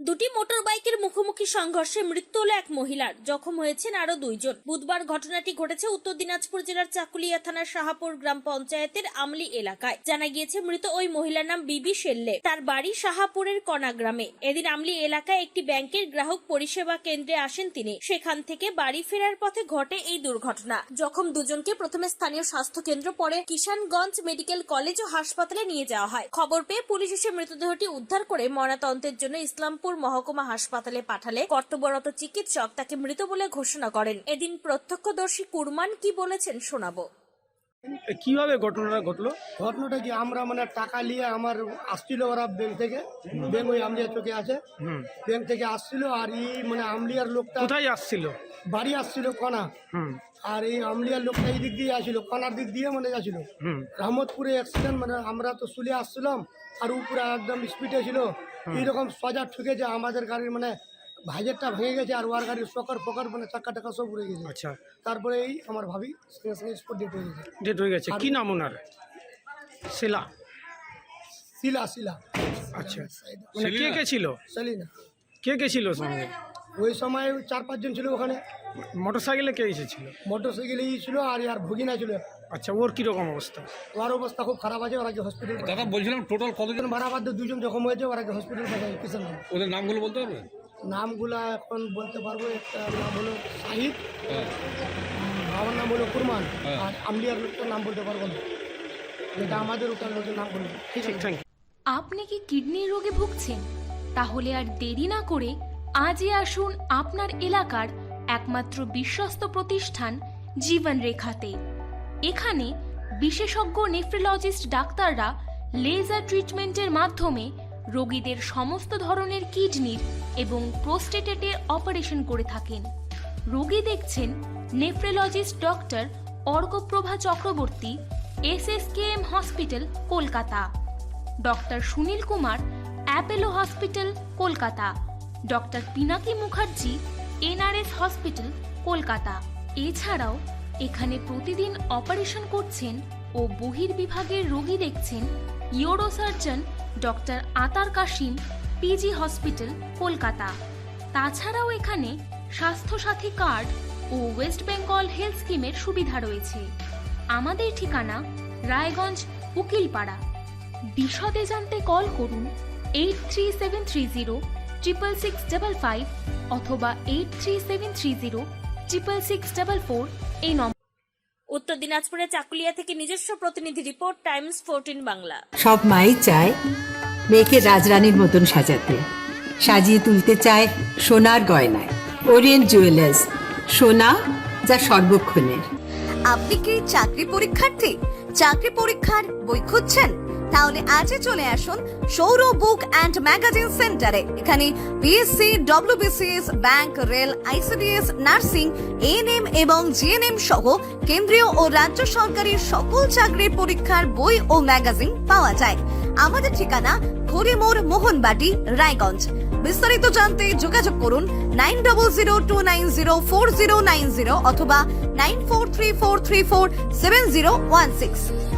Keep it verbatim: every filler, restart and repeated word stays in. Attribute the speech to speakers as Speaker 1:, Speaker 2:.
Speaker 1: দুটি মোটর বাইকের মুখোমুখি সংঘর্ষে মৃত্যু হল এক মহিলার, জখম হয়েছেন আরো দুইজন। বুধবার ঘটনাটি ঘটেছে উত্তর দিনাজপুর জেলার চাকুলিয়া থানার শাহাপুর গ্রাম পঞ্চায়েতের আমলি এলাকায়। জানা গিয়েছে মৃত ওই মহিলার নাম বিবি শেল্লে। তার বাড়ি শাহাপুরের কনা গ্রামে। এদিন আমলি এলাকায় একটি ব্যাংকের গ্রাহক পরিষেবা কেন্দ্রে আসেন তিনি। সেখান থেকে বাড়ি ফেরার পথে ঘটে এই দুর্ঘটনা। জখম দুজনকে প্রথমে স্থানীয় স্বাস্থ্য কেন্দ্র, পরে কিষানগঞ্জ মেডিকেল কলেজ ও হাসপাতালে নিয়ে যাওয়া হয়। খবর পেয়ে পুলিশ এসে মৃতদেহটি উদ্ধার করে ময়নাতদন্তের জন্য ইসলামপুর মহকুমা হাসপাতালে পাঠালে কর্তব্যরত চিকিৎসক তাকে মৃত বলে ঘোষণা করেন। এদিন প্রত্যক্ষদর্শী কুরমান কি বলেছেন শোনাবো।
Speaker 2: কিভাবে ঘটনাটা ঘটলো?
Speaker 3: ঘটনাটা কি, আমরা মানে টাকা নিয়ে আমার আসছিল ওরা ব্যাংক থেকে, ব্যাংক ওই আমলিয়া চোখে আছে, ব্যাংক থেকে আসছিল। আর এই মানে আমলিয়ার লোকটা
Speaker 2: কোথায় আসছিল?
Speaker 3: বাড়ি আসছিল কণা। আর এই আমলিয়ার লোকটা এই দিক দিয়ে আসছিল, কণার দিক দিয়ে মানে যাচ্ছিল। রহমতপুরে অ্যাক্সিডেন্ট, মানে আমরা তো শুলে আসছিলাম আর উপরে একদম স্পিডে ছিল। এইরকম সজা ঠুকেছে, আমাদের গাড়ির মানে ভাইজারটা ভেঙে গেছে আর ওর গাড়ির শকার ফকার মানে চাক্কা টাকা সব উড়ে গেছে।
Speaker 2: আচ্ছা,
Speaker 3: তারপরে এই আমার ভাবি সঙ্গে সঙ্গে স্পট ডেট হয়ে গেছে।
Speaker 2: ডেট হয়ে গেছে। কি নাম ওনার? শিলা।
Speaker 3: শিলা শিলা
Speaker 2: আচ্ছা, মানে কে কে ছিল?
Speaker 3: সেলিনা।
Speaker 2: কে কে ছিল সঙ্গে?
Speaker 3: ওই সময় চার পাঁচজন ছিল ওখানে।
Speaker 2: মোটরসাইকেলে কে এসেছিল?
Speaker 3: মোটর সাইকেলেই ছিল আর আর ভগিনা ছিল।
Speaker 2: আচ্ছা, ওর কিরকম অবস্থা?
Speaker 3: ওর অবস্থা খুব খারাপ আছে, ওরা হসপিটাল।
Speaker 4: দাদা বলছিলাম টোটাল কতজন
Speaker 3: ভাড়া বাদ দিয়ে দুজন জখম হয়েছে, ওরা হসপিটাল পাঠায় কিষানগঞ্জ।
Speaker 4: ওদের নামগুলো বলতে পারবেন?
Speaker 3: নামগুলা এখন বলতে পারবো। একটা নাম হলো শাহিদ, বাবার নাম হলো কুরমান, আর আমলিয়ার লোকটার নাম বলতে পারবো না, যেটা আমাদের ওখানে লোকের নাম বলবো।
Speaker 2: ঠিক থ্যাংক ইউ।
Speaker 5: আপনি কি কিডনির রোগে ভুগছেন? তাহলে আর দেরি না করে আজই আসুন আপনার এলাকার একমাত্র বিশ্বস্ত প্রতিষ্ঠান জীবন রেখাতে। এখানে বিশেষজ্ঞ নেফ্রোলজিস্ট ডাক্তাররা লেজার ট্রিটমেন্টের মাধ্যমে রোগীদের সমস্ত ধরনের কিডনির এবং প্রোস্টেটের অপারেশন করে থাকেন। রোগী দেখছেন nephrologist doctor Arkaprava Chakraborty, S S K M hospital, Kolkata. Doctor Sunil Kumar, Apollo hospital, Kolkata. Doctor Pinaki Mukherjee, N R S hospital, Kolkata. এছাড়াও এখানে প্রতিদিন অপারেশন করছেন ও বহির্বিভাগের রোগী দেখছেন ইউরোসার্জন ডক্টর আতার কাশিম, পিজি হসপিটাল, কলকাতা। তাছাড়াও এখানে স্বাস্থ্যসাথী কার্ড ও ওয়েস্ট বেঙ্গল হেলথ স্কিমের সুবিধা রয়েছে। আমাদের ঠিকানা রায়গঞ্জ, উকিলপাড়া। বিশদে জানতে কল করুন eight three seven three zero triple six double five অথবা eight three seven three zero triple six double four এই নম্বর।
Speaker 1: উত্তর দিনাজপুরের চাকুলিয়া থেকে নিজস্ব প্রতিনিধি রিপোর্ট, টাইমস ফোরটিন বাংলা।
Speaker 6: সব মাই চায় মেয়েকে রাজরানীর মতন সাজাতে, সাজিয়ে তুলতে চায় সোনার গয়নায়। ওরিয়েন্ট জুয়েলার্স, সোনা যা সর্বক্ষণের।
Speaker 7: আপনি কি চাকরি পরীক্ষার্থী? চাকরি পরীক্ষার বই খুঁজছেন? তাহলে আজই চলে আসুন সৌর বুক অ্যান্ড ম্যাগাজিন সেন্টারে। এখানে BSc, WBCS, bank, rail, ICDS, nursing, ANM এবং জিএনএম সহ কেন্দ্রীয় ও রাজ্য সরকারি সকল চাকরির পরীক্ষার বই ও ম্যাগাজিন পাওয়া যায়। আমাদের ঠিকানা হরিমোড়, মোহনবাটি, রায়গঞ্জ। বিস্তারিত জানতে যোগাযোগ করুন nine double zero two nine zero four zero nine zero অথবা nine four three four three four seven zero one six.